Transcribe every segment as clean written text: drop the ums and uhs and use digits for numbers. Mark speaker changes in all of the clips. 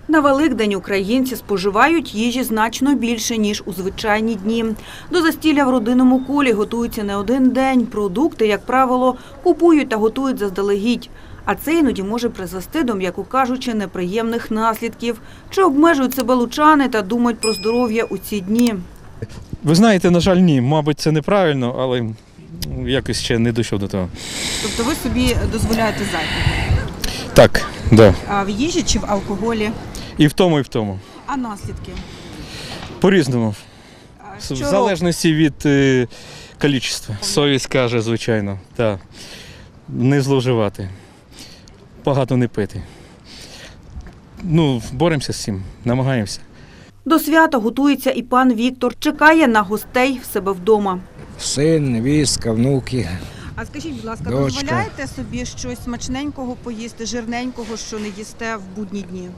Speaker 1: На Великдень українці споживають їжі значно більше, ніж у звичайні дні. До застілля в родинному колі готуються не один день. Продукти, як правило, купують та готують заздалегідь. А це іноді може призвести до, м'яко кажучи, неприємних наслідків. Чи обмежують себе лучани та думають про здоров'я у ці дні?
Speaker 2: Ви знаєте, на жаль, ні. Мабуть, це неправильно, але якось ще не дійшов до того.
Speaker 1: Тобто ви собі дозволяєте зайвого?
Speaker 2: Так, да.
Speaker 1: А в їжі чи в алкоголі?
Speaker 2: І в тому, і в тому.
Speaker 1: А наслідки?
Speaker 2: По-різному.
Speaker 1: Що
Speaker 2: В залежності від кількості. Совість каже, звичайно. Так. Не зловживати. Багато не пити. Боремося з цим, намагаємося.
Speaker 1: До свята готується і пан Віктор. Чекає на гостей в себе вдома.
Speaker 3: Син, невістка, внуки.
Speaker 1: А скажіть, будь ласка,
Speaker 3: Дочка.
Speaker 1: дозволяєте собі щось смачненького поїсти, жирненького, що не їсте в будні дні?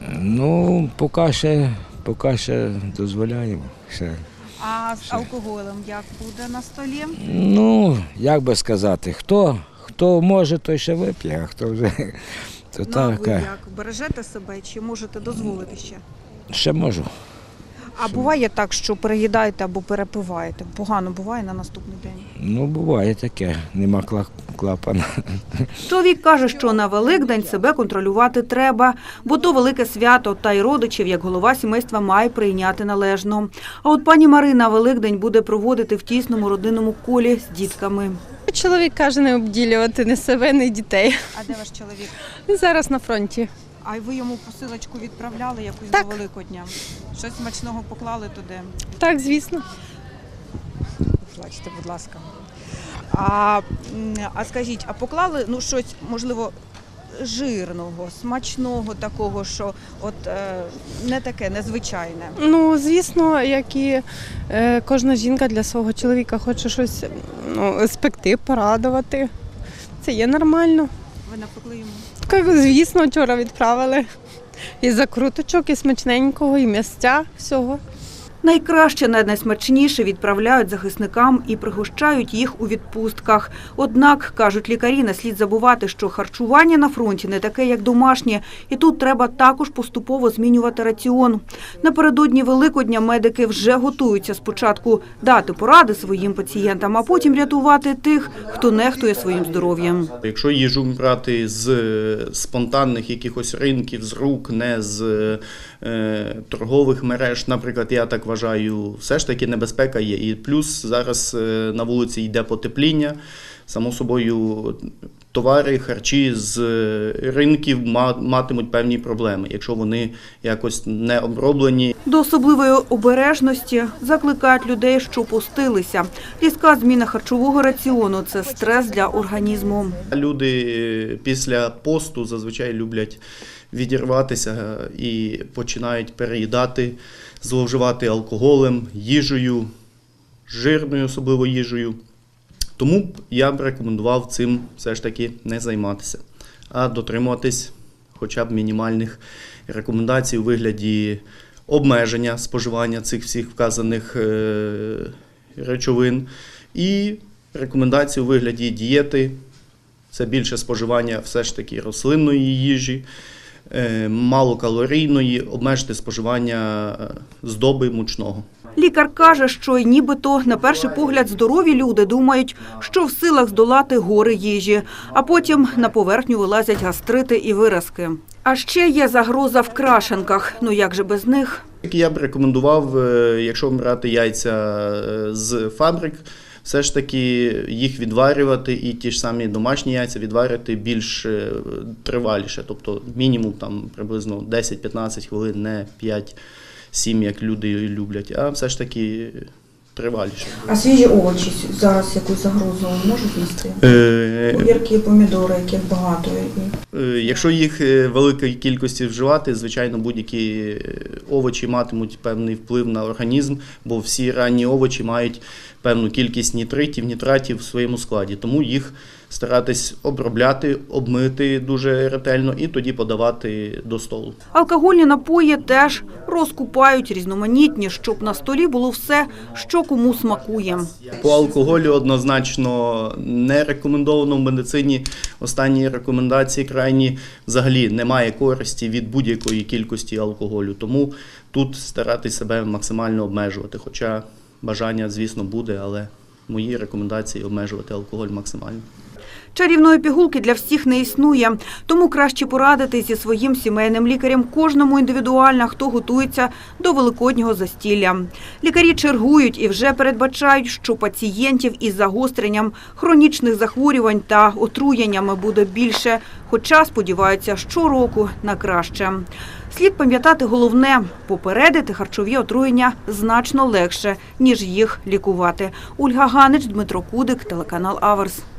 Speaker 3: Поки ще дозволяємо. Ще.
Speaker 1: А з алкоголем як буде на столі?
Speaker 3: Як би сказати, хто може, той ще вип'є, а хто вже, то
Speaker 1: А
Speaker 3: так.
Speaker 1: ви як? Бережете себе чи можете дозволити ще?
Speaker 3: Ще можу.
Speaker 1: А буває так, що переїдаєте або перепиваєте? Погано буває на наступний день?
Speaker 3: Буває таке, нема клапана.
Speaker 1: Чоловік каже, що на Великдень себе контролювати треба, бо то велике свято, та й родичів, як голова сімейства, має прийняти належно. А от пані Марина Великдень буде проводити в тісному родинному колі з дітками.
Speaker 4: Чоловік каже не обділювати ні себе, ні дітей.
Speaker 1: А де ваш чоловік?
Speaker 4: Він зараз на фронті.
Speaker 1: А ви йому посилочку відправляли якусь
Speaker 4: Так.
Speaker 1: до Великодня? Щось смачного поклали туди?
Speaker 4: Так, звісно.
Speaker 1: Плачте, будь ласка. А скажіть, а поклали щось, можливо, жирного, смачного такого, що не таке, незвичайне?
Speaker 4: Звісно, як і кожна жінка для свого чоловіка хоче щось спекти, порадувати. Це є нормально.
Speaker 1: Ви напекли йому?
Speaker 4: Звісно, вчора відправили. І закруточок, і смачненького, і м'ясця, всього.
Speaker 1: Найкраще, найсмачніше відправляють захисникам і пригощають їх у відпустках. Однак, кажуть лікарі, не слід забувати, що харчування на фронті не таке, як домашнє, і тут треба також поступово змінювати раціон. Напередодні Великодня медики вже готуються спочатку дати поради своїм пацієнтам, а потім рятувати тих, хто нехтує своїм здоров'ям.
Speaker 5: Якщо їжу брати з спонтанних якихось ринків, з рук, не з торгових мереж, наприклад, я так вважаю, все ж таки небезпека є. І плюс зараз на вулиці йде потепління, само собою товари, харчі з ринків матимуть певні проблеми, якщо вони якось не оброблені.
Speaker 1: До особливої обережності закликають людей, що постилися. Різка зміна харчового раціону – це стрес для організму.
Speaker 5: Люди після посту зазвичай люблять відірватися і починають переїдати, зловживати алкоголем, їжею, жирною особливо їжею. Тому б я б рекомендував цим все ж таки не займатися, а дотримуватись хоча б мінімальних рекомендацій у вигляді обмеження споживання цих всіх вказаних речовин і рекомендацій у вигляді дієти. Це більше споживання все ж таки рослинної їжі, малокалорійної, обмежити споживання здоби мучного.
Speaker 1: Лікар каже, що нібито на перший погляд здорові люди думають, що в силах здолати гори їжі, а потім на поверхню вилазять гастрити і виразки. А ще є загроза в крашенках. Як же без них?
Speaker 5: Я б рекомендував, якщо брати яйця з фабрик, все ж таки їх відварювати і ті ж самі домашні яйця відварювати більш триваліше, тобто мінімум приблизно 10-15 хвилин, не 5-7, як люди люблять, а все ж таки триваліше.
Speaker 6: А свіжі овочі зараз якусь загрозу можуть нести? Огірки, помідори, яких багато.
Speaker 5: Якщо їх великої кількості вживати, звичайно, будь-які овочі матимуть певний вплив на організм, бо всі ранні овочі мають певну кількість нітратів в своєму складі. Тому їх старатись обробляти, обмити дуже ретельно і тоді подавати до столу.
Speaker 1: Алкогольні напої теж розкупають різноманітні, щоб на столі було все, що кому смакує.
Speaker 5: По алкоголю однозначно не рекомендовано в медицині. Останні рекомендації крайні взагалі немає користі від будь-якої кількості алкоголю. Тому тут старатись себе максимально обмежувати. Хоча бажання, звісно, буде, але мої рекомендації обмежувати алкоголь максимально.
Speaker 1: Чарівної пігулки для всіх не існує, тому краще порадитись зі своїм сімейним лікарем кожному індивідуально, хто готується до великоднього застілля. Лікарі чергують і вже передбачають, що пацієнтів із загостренням хронічних захворювань та отруєннями буде більше, хоча сподіваються щороку на краще. Слід пам'ятати головне – попередити харчові отруєння значно легше, ніж їх лікувати. Ольга Ганич, Дмитро Кудик, телеканал Аверс.